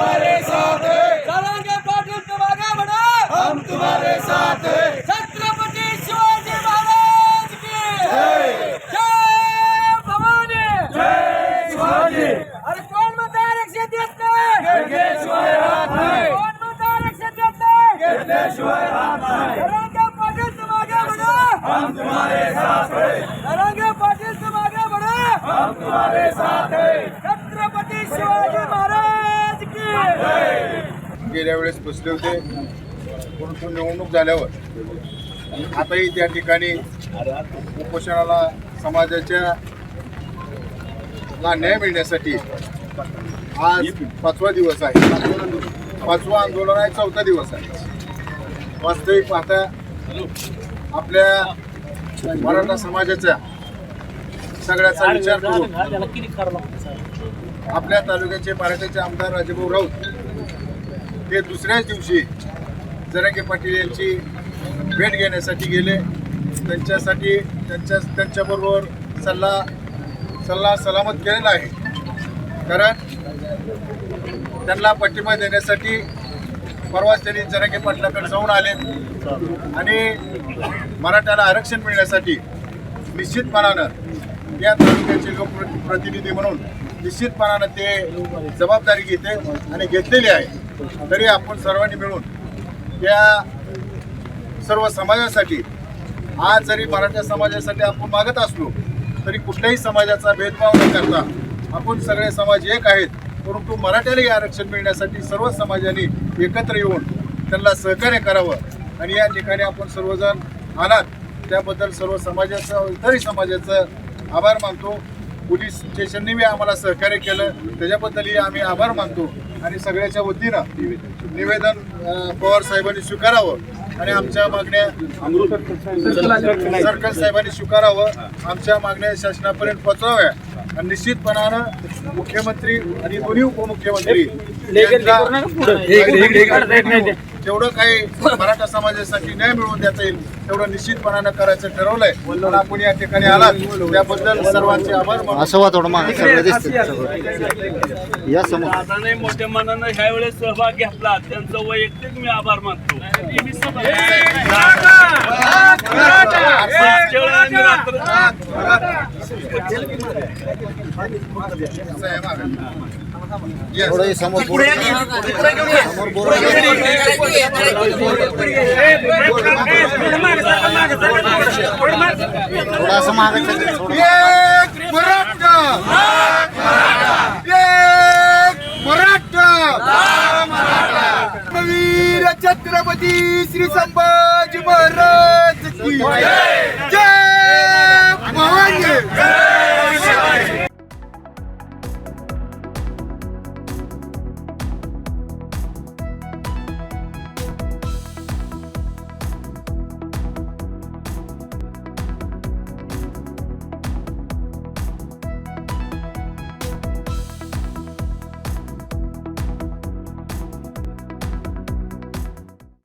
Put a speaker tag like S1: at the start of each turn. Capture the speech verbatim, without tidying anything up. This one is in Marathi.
S1: तुम्हारे साथ हैं,
S2: जरांगे पाटील तुम आगे बढ़ो,
S1: हम तुम्हारे साथ हैं।
S2: छत्रपती शिवाजी महाराज की
S1: जय
S2: जय भवानी,
S1: जय शिवाजी।
S2: अरे कोण म्हणता आरक्षण देत नाही,
S1: घेतल्याशिवाय राहत नाही,
S2: कोण म्हणता आरक्षण देत नाही,
S1: घेतल्याशिवाय राहत नाही।
S2: जरांगे पाटील तुम आगे बढ़ो,
S1: हम तुम्हारे साथ हैं,
S2: जरांगे पाटील तुम आगे बढ़ो,
S1: हम तुम्हारे साथ हैं।
S2: छत्रपती शिवाजी महाराज की
S3: गेल्या वेळेस बसले होते, परंतु निवडणूक झाल्यावर आताही त्या ठिकाणी उपोषणाला समाजाच्या ला न्याय मिळण्यासाठी आज पाचवा दिवस आहे, पाचवा आंदोलन आहे, चौथा दिवस आहे। वास्तविक पाहता आपल्या मराठा समाजाच्या सगळ्याचा विचार करून आपल्या तालुक्याचे मराठ्याचे आमदार राजेभाऊ राऊत हे दुसऱ्याच दिवशी जरांगे पाटील यांची भेट घेण्यासाठी गेले। त्यांच्यासाठी त्यांच्या त्यांच्याबरोबर सल्ला सल्ला सलामत केलेला आहे, कारण त्यांना पाठिंबा देण्यासाठी परवाच त्यांनी जरांगे पाटलाकडे जाऊन आले आणि मराठ्याला आरक्षण मिळण्यासाठी निश्चितपणानं या तालुक्याचे लोकप्रतिनिधी म्हणून निश्चितपणानं ते जबाबदारी घेते आणि घेतलेली आहे। तरी आपण सर्वांनी मिळून या सर्व समाजासाठी आज जरी मराठा समाजासाठी आपण मागत असलो तरी कुठल्याही समाजाचा भेदभाव न करता आपण सगळे समाज एक आहेत, परंतु मराठ्यालाही आरक्षण मिळण्यासाठी सर्व समाजांनी एकत्र येऊन त्यांना सहकार्य करावं आणि या ठिकाणी आपण सर्वजण आलात त्याबद्दल सर्व समाजाचं इतरही समाजाचं आभार मानतो। पोलीस स्टेशनने बी आम्हाला सहकार्य केलं त्याच्याबद्दलही आम्ही आभार मानतो आणि सगळ्याच्या वतीनं निवेदन पवार साहेबांनी स्वीकारावं आणि आमच्या मागण्या सर्कल साहेबांनी स्वीकारावं, आमच्या मागण्या शासनापर्यंत पोहोचवाव्या आणि निश्चितपणानं मुख्यमंत्री आणि दोन्ही उपमुख्यमंत्री जेवढं काही मराठा समाजासाठी न्याय मिळवून देता येईल तेवढं निश्चितपणानं करायचं ठरवलंय आणि आपण या ठिकाणी आलात त्याबद्दल सर्वांचे आभार मानतो।
S4: असं वाटतं मग सगळं दिसतं या समोर
S5: दादाने मोठ्या मनानं ह्या वेळेस सहभाग घेतला, त्यांचं वैयक्तिक मी आभार मानतो।
S4: थोडं समोर समोर बोला थोडा असं मागायचं
S3: एक मराठा, एक मराठा, वीर छत्रपती श्री संभाजी महाराज की